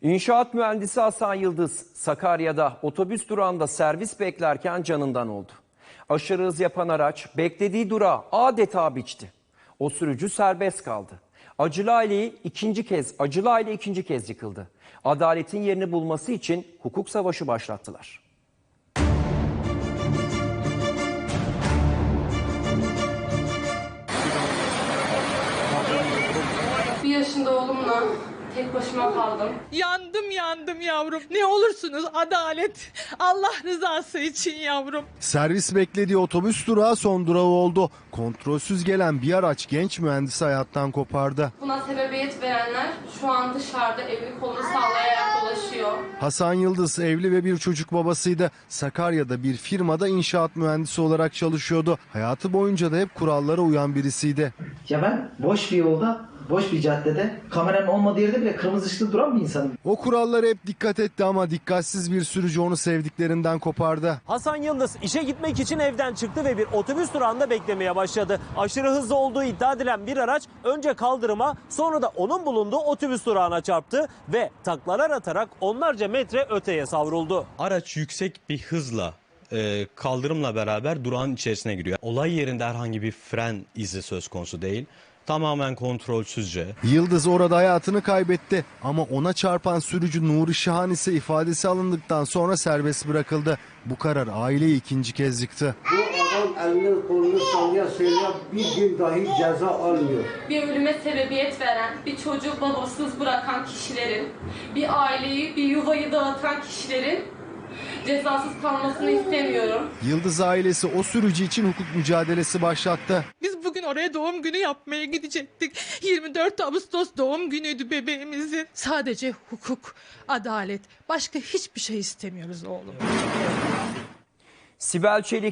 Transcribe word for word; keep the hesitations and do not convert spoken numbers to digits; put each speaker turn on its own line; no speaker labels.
İnşaat mühendisi Hasan Yıldız, Sakarya'da otobüs durağında servis beklerken canından oldu. Aşırı hız yapan araç beklediği durağı adeta biçti. O sürücü serbest kaldı. Acılı aileyi ikinci kez, acılı aile ikinci kez yıkıldı. Adaletin yerini bulması için hukuk savaşı başlattılar.
Bir yaşında oğlumla tek başıma kaldım.
Yandım yandım yavrum. Ne olursunuz adalet. Allah rızası için yavrum.
Servis beklediği otobüs durağı son durağı oldu. Kontrolsüz gelen bir araç genç mühendisi hayattan kopardı.
Buna sebebiyet verenler şu an dışarıda elini kolunu sallayarak dolaşıyor.
Hasan Yıldız evli ve bir çocuk babasıydı. Sakarya'da bir firmada inşaat mühendisi olarak çalışıyordu. Hayatı boyunca da hep kurallara uyan birisiydi.
Ya ben boş bir yolda, boş bir caddede, kameranın olmadığı yerde bile kırmızı ışıkta duran bir insanım.
O kurallara hep dikkat etti ama dikkatsiz bir sürücü onu sevdiklerinden kopardı.
Hasan Yıldız işe gitmek için evden çıktı ve bir otobüs durağında beklemeye başladı. Aşırı hızlı olduğu iddia edilen bir araç önce kaldırıma, sonra da onun bulunduğu otobüs durağına çarptı ve taklalar atarak onlarca metre öteye savruldu.
Araç yüksek bir hızla e, kaldırımla beraber durağın içerisine giriyor. Olay yerinde herhangi bir fren izi söz konusu değil. Tamamen kontrolsüzce.
Yıldız orada hayatını kaybetti ama ona çarpan sürücü Nuri Şahan ise ifadesi alındıktan sonra serbest bırakıldı. Bu karar aileyi ikinci kez yıktı.
Bu adam elini kolunu sallaya söylüyor, bir gün dahi ceza almıyor.
Bir ölüme sebebiyet veren, bir çocuğu babasız bırakan kişilerin, bir aileyi, bir yuvayı dağıtan kişilerin cezasız kalmasını istemiyorum.
Yıldız ailesi o sürücü için hukuk mücadelesi başlattı.
Biz bugün oraya doğum günü yapmaya gidecektik. yirmi dört Ağustos doğum günüydü bebeğimizin. Sadece hukuk, adalet, başka hiçbir şey istemiyoruz oğlum.
Sibel Çelik